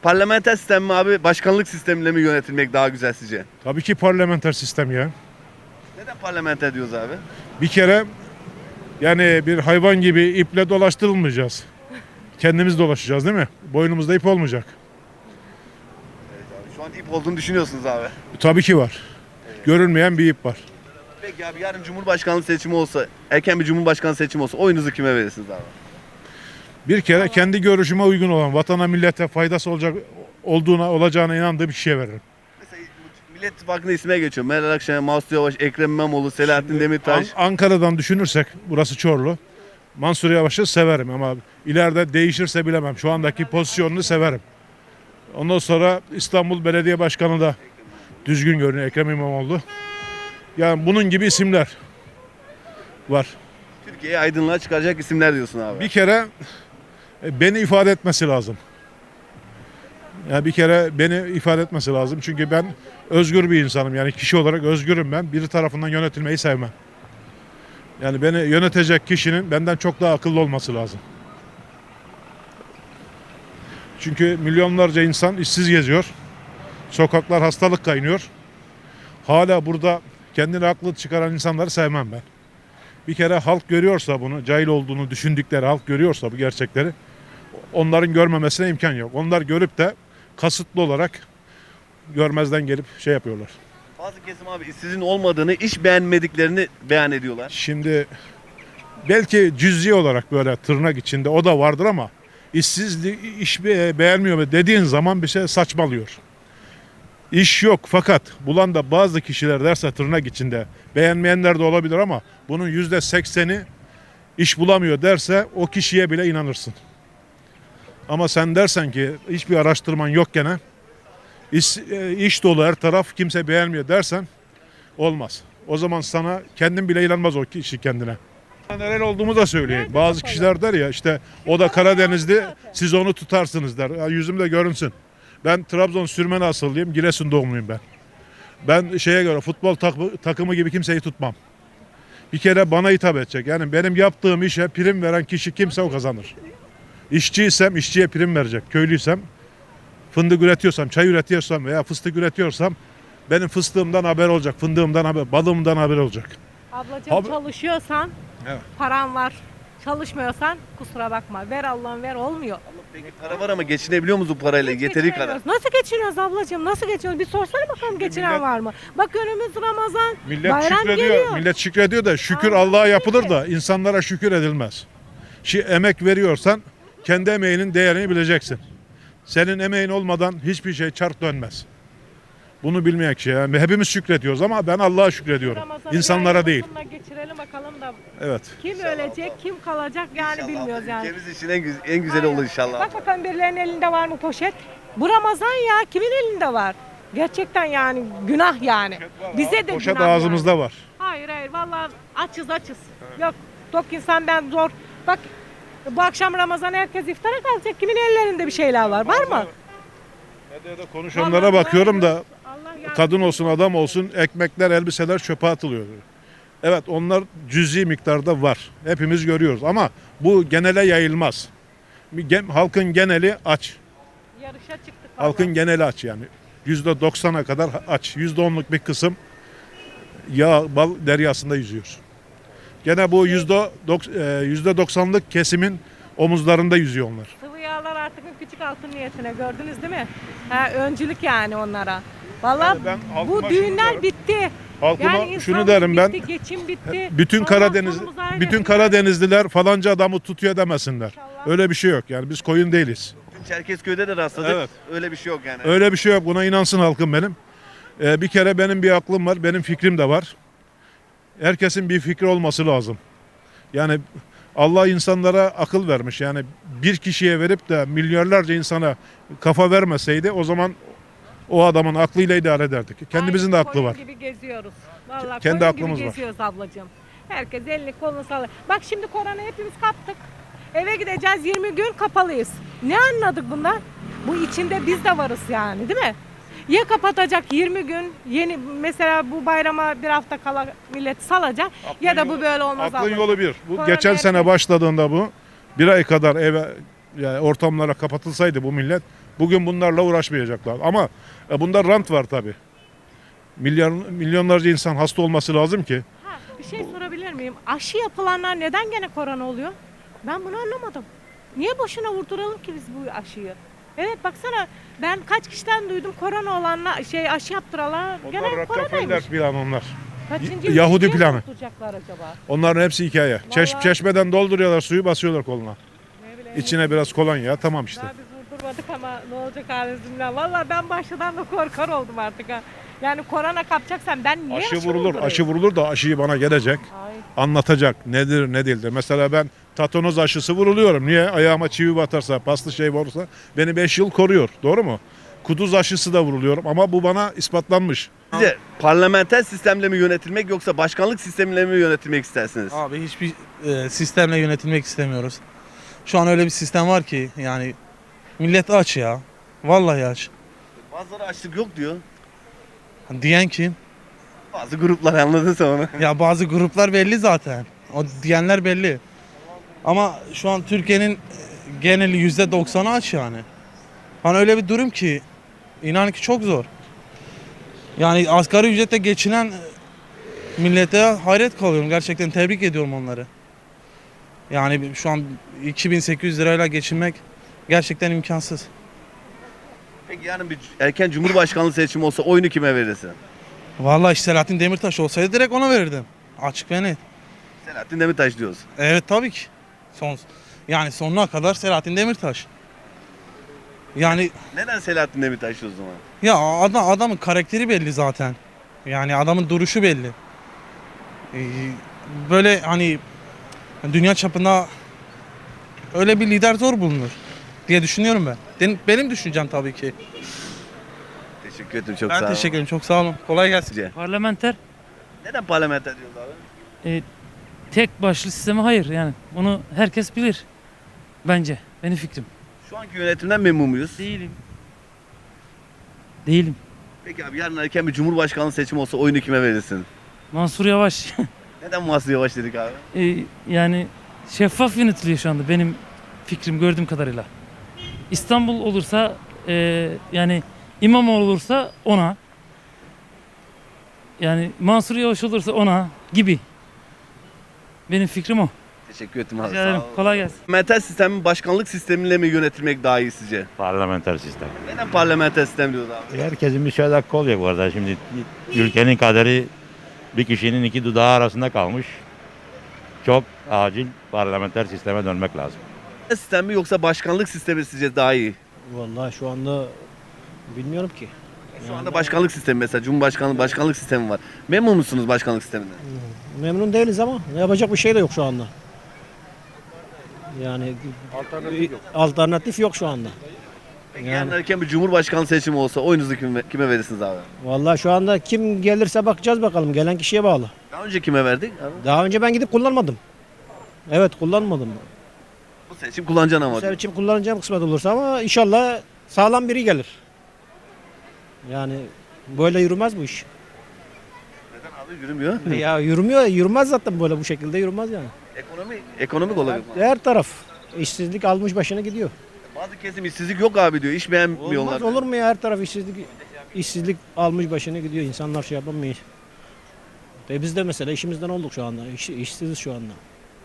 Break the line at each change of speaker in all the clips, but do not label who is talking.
Parlamenter sistem mi abi, başkanlık sistemiyle mi yönetilmek daha güzel sizce?
Tabii ki parlamenter sistem ya.
Neden parlamenter diyoruz abi?
Bir kere yani bir hayvan gibi iple dolaştırılmayacağız. Kendimiz dolaşacağız değil mi? Boynumuzda ip olmayacak.
Şu an ip olduğunu düşünüyorsunuz abi.
Tabii ki var. Görünmeyen bir ip var.
Peki abi yarın Cumhurbaşkanlığı seçimi olsa, erken bir Cumhurbaşkanı seçimi olsa oyunuzu kime verirsiniz abi?
Bir kere kendi görüşüme uygun olan, vatana millete faydası olacağına inandığım bir kişiye veririm.
Mesela Millet İttifakı'nın ismine geçiyor. Meral Akşener, Mansur Yavaş, Ekrem İmamoğlu, Selahattin Demirtaş.
Ankara'dan düşünürsek, burası Çorlu. Mansur Yavaş'ı severim ama ileride değişirse bilemem. Şu andaki pozisyonunu severim. Ondan sonra İstanbul Belediye Başkanı da düzgün görünüyor, Ekrem İmamoğlu. Yani bunun gibi isimler var.
Türkiye'yi aydınlığa çıkaracak isimler diyorsun abi.
Bir kere beni ifade etmesi lazım. Yani bir kere beni ifade etmesi lazım. Çünkü ben özgür bir insanım. Yani kişi olarak özgürüm ben. Biri tarafından yönetilmeyi sevmem. Yani beni yönetecek kişinin benden çok daha akıllı olması lazım. Çünkü milyonlarca insan işsiz geziyor. Sokaklar hastalık kaynıyor. Hala burada kendini haklı çıkaran insanları sevmem ben. Bir kere halk görüyorsa bunu, cahil olduğunu düşündükleri halk görüyorsa bu gerçekleri, onların görmemesine imkan yok. Onlar görüp de kasıtlı olarak görmezden gelip şey yapıyorlar.
Bazı kesim abi işsizin olmadığını, iş beğenmediklerini beyan ediyorlar.
Şimdi belki cüz'i olarak böyle tırnak içinde o da vardır ama işsizlik, iş beğenmiyor mu dediğin zaman bir şey saçmalıyor. İş yok fakat bulan da bazı kişiler derse tırnak içinde beğenmeyenler de olabilir ama bunun %80'i iş bulamıyor derse o kişiye bile inanırsın. Ama sen dersen ki hiçbir araştırman yok gene iş dolu her taraf kimse beğenmiyor dersen olmaz. O zaman sana kendin bile inanmaz o kişi kendine. Nereli olduğumu da söyleyeyim. Bazı kişiler der ya işte o da Karadenizli siz onu tutarsınız der. Ya yüzüm de görünsün. Ben Trabzon Sürmeni asıllıyım. Giresun doğumluyum ben. Ben şeye göre futbol takımı gibi kimseyi tutmam. Bir kere bana hitap edecek. Yani benim yaptığım işe prim veren kişi kimse o kazanır. İşçiysem işçiye prim verecek. Köylüysem fındık üretiyorsam, çay üretiyorsam veya fıstık üretiyorsam benim fıstığımdan haber olacak. Fındığımdan haber, balığımdan haber olacak.
Ablacığım çalışıyorsan
Evet.
paran var. Çalışmıyorsan kusura bakma. Ver Allah'ım ver olmuyor.
Peki para var ama geçinebiliyor musunuz bu parayla? Yeteri kadar.
Geçinemiyoruz. Nasıl geçiniyoruz ablacığım? Nasıl geçiniyoruz? Bir sorsana bakalım geçinen
millet-
var mı? Bak önümüz Ramazan.
Millet
bayram
şükrediyor.
geliyor.
Millet şükrediyor da şükür
Aynen
Allah'a yapılır
öyle.
da insanlara şükür edilmez. Emek veriyorsan kendi emeğinin değerini bileceksin. Senin emeğin olmadan hiçbir şey çark dönmez. Bunu bilmeyen kişi. Yani hepimiz şükrediyoruz ama ben Allah'a şükrediyorum.
Ramazan'ı
İnsanlara değil.
Geçirelim bakalım da
Evet.
kim ölecek, kim kalacak yani bilmiyoruz yani.
Ülkemiz için en güzeli olur inşallah.
Bak bakalım birilerinin elinde var mı poşet? Bu Ramazan ya kimin elinde var? Gerçekten yani günah yani. Bize de
Poşet
günah
ağzımızda
yani.
var.
Hayır vallahi açız. Yok tok insan ben zor. Bak bu akşam Ramazan herkes iftara kalacak. Kimin ellerinde bir şeyler var mı?
Medyada konuşanlara bakıyorum da
Allah yardım
kadın olsun adam olsun ekmekler elbiseler çöpe atılıyor. Evet onlar cüzi miktarda var. Hepimiz görüyoruz ama bu genele yayılmaz. Halkın geneli aç.
yarışa çıktık.
Halkın
vallahi.
geneli aç yani. %90'a kadar aç. %10'luk bir kısım yağ, bal deryasında yüzüyor. Gene bu %90'lık kesimin omuzlarında yüzüyor onlar.
Sıvı yağlar artık küçük altın niyetine gördünüz değil mi? Öncülük yani onlara. Vallahi
Ben halkıma
bu
şunu
düğünler
derim.
bitti.
Halkıma
Yani
şunu
insanlık
derim ben.
bitti, geçim bitti.
Bütün
Allah
Karadeniz
sonumuzu hayır
bütün
etsin.
Karadenizliler falanca adamı tutuyor demesinler.
İnşallah.
Öyle bir şey yok. Yani biz koyun değiliz.
Çerkezköy'de de rastladık.
Evet.
Öyle bir şey yok yani.
Öyle bir şey yok. Buna inansın halkım benim. Bir kere benim bir aklım var. Benim fikrim de var. Herkesin bir fikri olması lazım. Yani Allah insanlara akıl vermiş. Yani bir kişiye verip de milyarlarca insana kafa vermeseydi o zaman o adamın aklıyla idare ederdik. Kendimizin de
Aynı
aklı var.
koyun gibi geziyoruz. Vallahi
Kendi
koyun
aklımız
gibi
var.
geziyoruz ablacığım. Herkes elini kolunu sallıyor. Bak şimdi korona hepimiz kaptık. Eve gideceğiz 20 gün kapalıyız. Ne anladık bundan? Bu içinde biz de varız yani değil mi? Ya kapatacak 20 gün yeni mesela bu bayrama bir hafta kala millet salacak ya da bu böyle olmaz.
Aklın
ablacığım.
yolu bir. Bu
Korona
geçen
herkes-
sene başladığında bu bir ay kadar eve yani ortamlara kapatılsaydı bu millet Bugün bunlarla uğraşmayacaklar. Ama bunda rant var tabii. Milyonlarca insan hasta olması lazım ki.
Ha, bir şey sorabilir miyim? Aşı yapılanlar neden gene korona oluyor? Ben bunu anlamadım. Niye boşuna vurduralım ki biz bu aşıyı? Evet baksana ben kaç kişiden duydum korona olanlar aşı yaptıranlar
Onlar
gene
Rockefeller
koronaymış.
planı onlar.
Kaçıncı
Yahudi
ülkeye
planı.
vurduracaklar acaba?
Onların hepsi hikaye.
Vallahi-
Çeşmeden dolduruyorlar suyu, basıyorlar koluna.
Ne bileyim.
İçine biraz kolonya, tamam işte.
Daha biz vurdurmadık ama ne olacak halimiz bilmem. Valla ben başladan da korkar oldum artık ha. Yani korona kapacaksan ben niye
Aşı vurulur,
vurdurayım?
aşı vurulur da aşıyı bana gelecek.
Ay.
Anlatacak nedir ne değildir. Mesela ben tatanoz aşısı vuruluyorum. Niye? Ayağıma çivi batarsa, paslı şey olursa beni 5 yıl koruyor. Doğru mu? Kuduz aşısı da vuruluyorum ama bu bana ispatlanmış.
Sizce parlamenter sistemle mi yönetilmek yoksa başkanlık sistemiyle mi yönetilmek istersiniz?
Abi hiçbir sistemle yönetilmek istemiyoruz. Şu an öyle bir sistem var ki yani millet aç ya. Vallahi aç.
Bazıları açlık yok diyor.
Diyen kim?
Bazı gruplar anladın sen onu.
Ya bazı gruplar belli zaten. O diyenler belli. Ama şu an Türkiye'nin geneli %90'ı aç yani. Hani öyle bir durum ki inan ki çok zor. Yani asgari ücretle geçinen millete hayret kalıyorum. Gerçekten tebrik ediyorum onları. Yani şu an 2800 lirayla geçinmek gerçekten imkansız.
Peki yarın bir erken cumhurbaşkanlığı seçimi olsa oyunu kime verirsin?
Vallahi işte Selahattin Demirtaş olsaydı direkt ona verirdim. Açık ve net.
Selahattin Demirtaş diyoruz.
Evet tabii ki. Yani sonuna kadar Selahattin Demirtaş. Yani
Neden Selahattin Demirtaş o zaman?
ya adamın karakteri belli zaten. Yani adamın duruşu belli. Böyle hani dünya çapında öyle bir lider zor bulunur diye düşünüyorum ben. Benim düşüncem tabii ki.
Teşekkür ederim çok
Ben
sağ olun.
teşekkür ederim. Çok sağ olun. Kolay gelsin.
Sizce?
Parlamenter
Neden parlamenter diyoruz abi?
tek başlı sistemi hayır yani. Bunu herkes bilir. Bence. Benim fikrim.
Şu anki yönetimden memnun muyuz?
Değilim. Değilim.
Peki abi yarın erken bir cumhurbaşkanlığı seçimi olsa oyunu kime verirsin?
Mansur Yavaş.
Neden Mansur Yavaş dedik abi?
Yani şeffaf yönetiliyor şu anda benim fikrim gördüğüm kadarıyla. İstanbul olursa yani İmamoğlu olursa ona. Yani Mansur Yavaş olursa ona gibi. Benim fikrim o.
Teşekkür ederim abi.
Rica ederim.
Sağ olun.
Kolay gelsin.
Parlamenter sistemin başkanlık sistemiyle mi yönetilmek daha iyi sizce?
Parlamenter sistem.
Neden parlamenter sistem diyoruz abi?
Herkesin bir söz hakkı olacak bu arada. Şimdi ülkenin kaderi bir kişinin iki dudağı arasında kalmış. Çok acil parlamenter sisteme dönmek lazım.
Sistem mi yoksa başkanlık sistemi sizce daha iyi?
Vallahi şu anda bilmiyorum ki.
Şu anda başkanlık sistemi mesela Cumhurbaşkanlığı başkanlık sistemi var. Memnun musunuz başkanlık sisteminden?
Memnun değiliz ama yapacak bir şey de yok şu anda. Yani alternatif yok şu anda.
Peki
Yani-
yarın erken bir cumhurbaşkanlığı seçimi olsa oyunuzu kime verirsiniz abi?
Vallahi şu anda kim gelirse bakacağız bakalım. Gelen kişiye bağlı.
Daha önce kime verdik? Abi?
Daha önce ben gidip kullanmadım. Evet kullanmadım.
Bu seçim kullanacaksın ama.
Bu sefer için kullanacağım kısmet olursa ama inşallah sağlam biri gelir. Yani böyle yürümez bu iş.
Neden abi yürümüyor?
Ya yürümüyor, yürümez zaten böyle bu şekilde yürümez yani.
Ekonomik olabilir.
Her taraf işsizlik almış başına gidiyor.
Bazı kesim işsizlik yok abi diyor. İş beğenmiyorlar.
Olmaz olur mu ya her taraf işsizlik almış başına gidiyor. İnsanlar şey yapamıyor. Biz de mesela işimizden olduk şu anda. İşsiziz şu anda.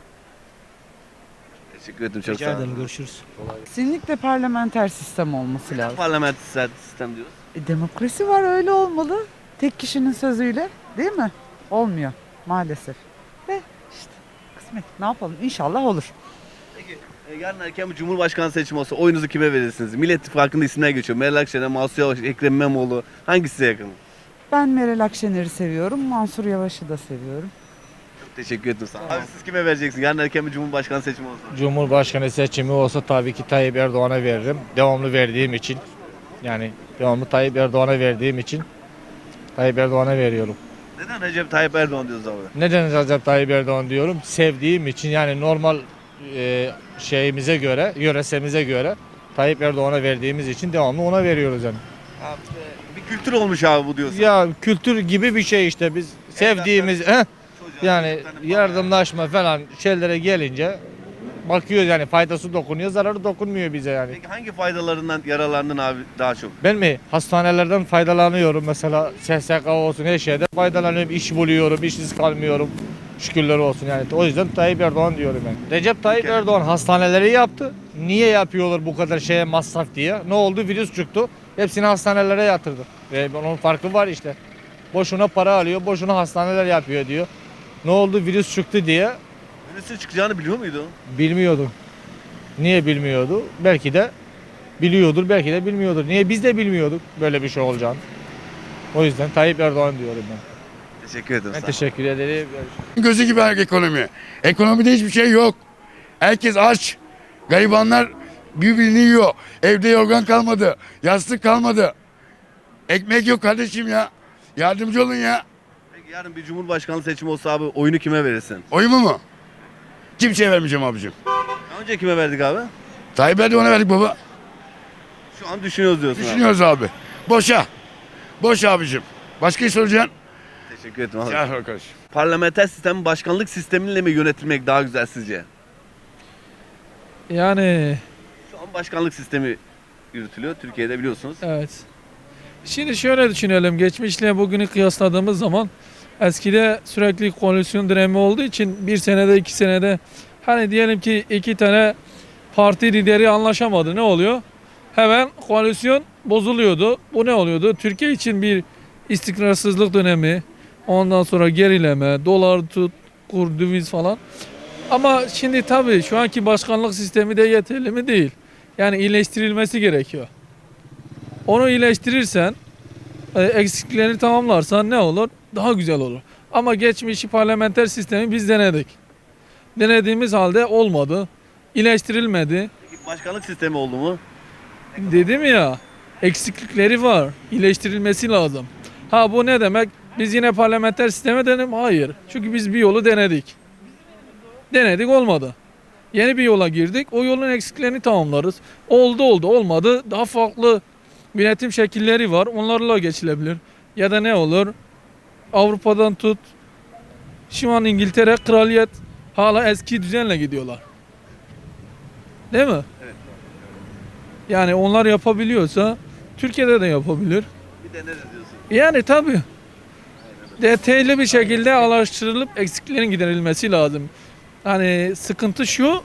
Teşekkür ederim çok
Rica
sağ
ederim
olun.
görüşürüz.
Kesinlikle parlamenter sistem olması lazım.
Parlamenter sistem diyoruz.
Demokrasi var öyle olmalı. Tek kişinin sözüyle değil mi? Olmuyor maalesef. Ve işte kısmet ne yapalım İnşallah olur.
Yarın erken bir cumhurbaşkanı seçimi olsa oyunuzu kime verirsiniz? Millet İttifakı'nda isimler geçiyor. Meral Akşener, Mansur Yavaş, Ekrem İmamoğlu. Hangisi size yakın?
Ben Meral Akşener'i seviyorum. Mansur Yavaş'ı da seviyorum.
Çok teşekkür ederim sağ olun. Abi siz kime vereceksiniz? Yarın erken bir cumhurbaşkanı seçimi olsa.
Cumhurbaşkanı seçimi olsa tabii ki Tayyip Erdoğan'a veririm. Devamlı verdiğim için. Yani devamlı Tayyip Erdoğan'a verdiğim için Tayyip Erdoğan'a veriyorum.
Neden Recep Tayyip Erdoğan diyoruz abi?
Neden Recep Tayyip Erdoğan diyorum? Sevdiğim için yani normal şeyimize göre, yöresemize göre Tayyip Erdoğan'a verdiğimiz için devamlı ona veriyoruz yani.
Abi, bir kültür olmuş abi bu diyorsun.
Ya kültür gibi bir şey işte biz sevdiğimiz
Çocuğa,
yani
çocuklarına falan
yardımlaşma falan şeylere gelince bakıyoruz yani faydası dokunuyor, zararı dokunmuyor bize yani.
Peki hangi faydalarından yararlandın abi daha çok?
Ben mi? Hastanelerden faydalanıyorum mesela SSK olsun her şeyde faydalanıyorum, iş buluyorum, işsiz kalmıyorum. Şükürler olsun yani. O yüzden Tayyip Erdoğan diyorum ben. Recep Tayyip Erdoğan hastaneleri yaptı. Niye yapıyorlar bu kadar şeye masraf diye? Ne oldu? Virüs çıktı. Hepsini hastanelere yatırdı. Ve onun farkı var işte. Boşuna para alıyor, boşuna hastaneler yapıyor diyor. Ne oldu? Virüs çıktı diye
Virüsün çıkacağını biliyor muydu?
bilmiyordu. Niye bilmiyordu? Belki de biliyordur, belki de bilmiyordur. Niye biz de bilmiyorduk böyle bir şey olacağını. O yüzden Tayyip Erdoğan diyorum ben.
Teşekkür ederim.
Ben
sağ ol.
teşekkür ederim.
Gözü gibi ekonomi. Ekonomide hiçbir şey yok. Herkes aç. Garibanlar birbirini yiyor. Evde yorgan kalmadı. Yastık kalmadı. Ekmek yok kardeşim ya. Yardımcı olun ya.
Peki yarın bir cumhurbaşkanlığı seçimi olsa abi oyunu kime verirsin?
Oyumu mu? Kimseye vermeyeceğim abicim.
Daha önce kime verdik abi?
Tayyip Erdoğan'a verdik baba.
Şu an düşünüyoruz diyorsun abi.
Düşünüyoruz abi. Boşa. Boş abicim. Başka soracaksın?
Teşekkür ederim abi.
Gel arkadaş.
Parlamenter sistem başkanlık sistemiyle mi yönetilmek daha güzel sizce?
Yani
Şu an başkanlık sistemi yürütülüyor Türkiye'de biliyorsunuz.
evet. Şimdi şöyle düşünelim. Geçmişle bugünü kıyasladığımız zaman eskide sürekli koalisyon dönemi olduğu için bir senede 2 senede hani diyelim ki 2 tane parti lideri anlaşamadı. Ne oluyor? Hemen koalisyon bozuluyordu. Bu ne oluyordu? Türkiye için bir istikrarsızlık dönemi. Ondan sonra gerileme, dolar tut, kur, döviz falan. Ama şimdi tabii şu anki başkanlık sistemi de yeterli mi değil. Yani iyileştirilmesi gerekiyor. Onu iyileştirirsen, eksiklerini tamamlarsan ne olur? Daha güzel olur. Ama geçmişi parlamenter sistemi biz denedik. Denediğimiz halde olmadı. İyileştirilmedi.
Peki başkanlık sistemi oldu mu?
Dedim ya, eksiklikleri var. İyileştirilmesi lazım. Ha bu ne demek? Biz yine parlamenter sisteme denelim. Hayır. Çünkü biz bir yolu denedik. Denedik olmadı. Yeni bir yola girdik. O yolun eksiklerini tamamlarız. Oldu olmadı. Daha farklı yönetim şekilleri var. Onlarla geçilebilir. Ya da ne olur? Avrupa'dan tut. Şu an İngiltere kraliyet hala eski düzenle gidiyorlar. Değil mi?
Evet.
Yani onlar yapabiliyorsa Türkiye'de de yapabilir.
Bir deneriz diyorsun.
Yani tabii. Detaylı bir şekilde araştırılıp eksiklerin giderilmesi lazım. Hani sıkıntı şu,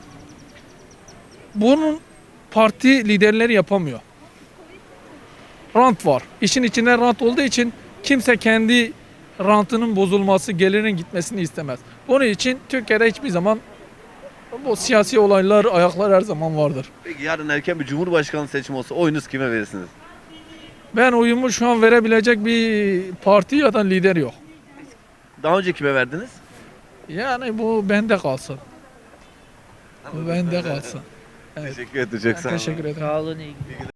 bunun parti liderleri yapamıyor. Rant var. İşin içinde rant olduğu için kimse kendi rantının bozulması, gelirinin gitmesini istemez. Bunun için Türkiye'de hiçbir zaman bu siyasi olaylar, ayaklar her zaman vardır.
Peki yarın erken bir cumhurbaşkanlığı seçimi olsa oyunuz kime verirsiniz?
Ben oyumu şu an verebilecek bir parti ya da lider yok.
Daha önce kime verdiniz?
Yani bu bende kalsın. Bu bende kalsın. Evet.
Teşekkür ederim. Çok sağ olun.
Teşekkür ederim.